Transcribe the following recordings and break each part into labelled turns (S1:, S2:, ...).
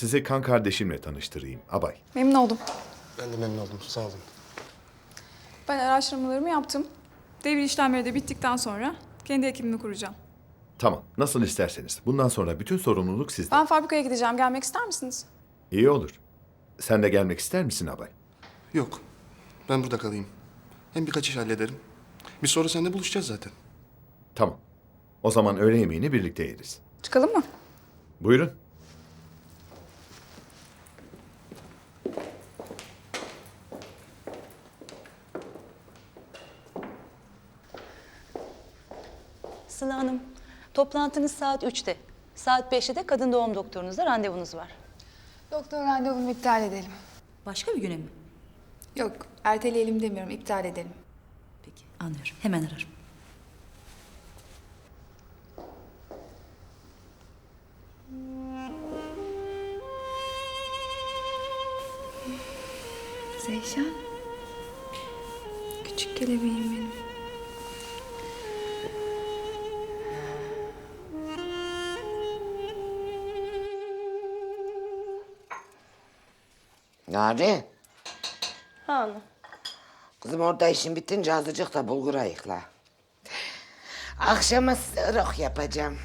S1: sizi kan kardeşimle tanıştırayım, Abay.
S2: Memnun oldum.
S3: Ben de memnun oldum. Sağ olun.
S2: Ben araştırmalarımı yaptım. Devir işlemleri de bittikten sonra kendi ekibimi kuracağım.
S1: Tamam, nasıl isterseniz. Bundan sonra bütün sorumluluk sizde.
S2: Ben fabrikaya gideceğim. Gelmek ister misiniz?
S1: İyi olur. Sen de gelmek ister misin Abay?
S3: Yok. Ben burada kalayım. Hem birkaç iş hallederim. Biz sonra seninle buluşacağız zaten.
S1: Tamam. O zaman öğle yemeğini birlikte yeriz.
S2: Çıkalım mı?
S1: Buyurun.
S4: Sıla Hanım, toplantınız saat 3'te. Saat 5'te de kadın doğum doktorunuzla randevunuz var.
S5: Doktor randevumu iptal edelim.
S4: Başka bir güne mi?
S5: Yok, erteleyelim demiyorum, iptal edelim.
S4: Peki, anlıyorum. Hemen ararım.
S5: Zeyşan. Küçük kelebeğim benim.
S6: Nari,
S7: Ha ana.
S6: kızım orada işin bitince azıcık da bulgur ayıkla. Akşama sırık yapacağım.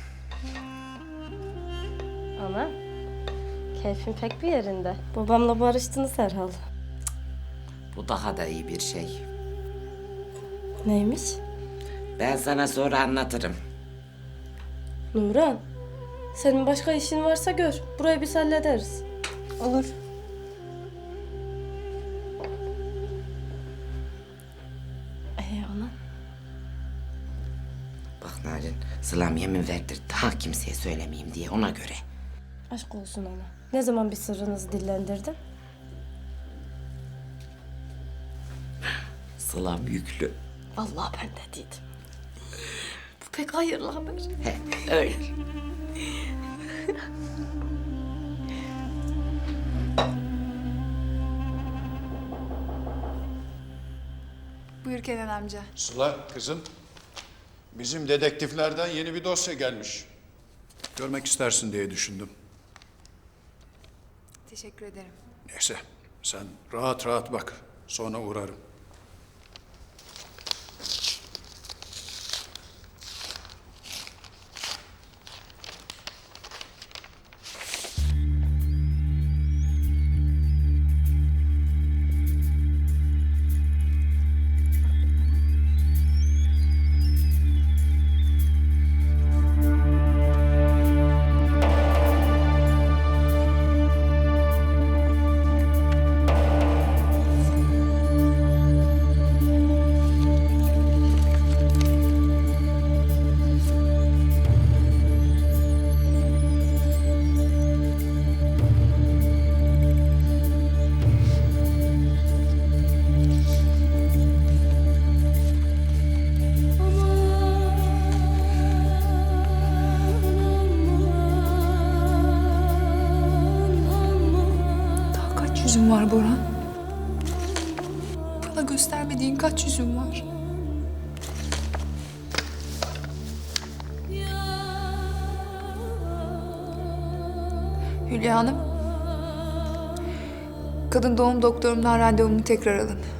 S7: Ana. Keyfin pek bir yerinde. Babamla barıştınız herhalde.
S6: Bu daha da iyi bir şey.
S7: Neymiş?
S6: Ben sana sonra anlatırım.
S7: Nurhan. Senin başka işin varsa gör. Burayı biz hallederiz.
S4: Olur.
S7: Ana.
S6: Bak Narin, Sılam yemin verdir daha kimseye söylemeyeyim diye ona göre.
S7: Aşk olsun ana. Ne zaman bir sırrınızı dillendirdin?
S6: Sılam yüklü.
S7: Vallahi ben de dedim. Bu pek hayırlı haber.
S6: He, öyle.
S2: Buyur Kenan amca.
S8: Sıla kızım, bizim dedektiflerden yeni bir dosya gelmiş. Görmek istersin diye düşündüm.
S2: Teşekkür ederim.
S8: Neyse, sen rahat rahat bak, sonra uğrarım.
S5: Daha kaç yüzün var Boran? Bana göstermediğin kaç yüzün var? Hülya Hanım. Kadın doğum doktorumdan randevumu tekrar alın.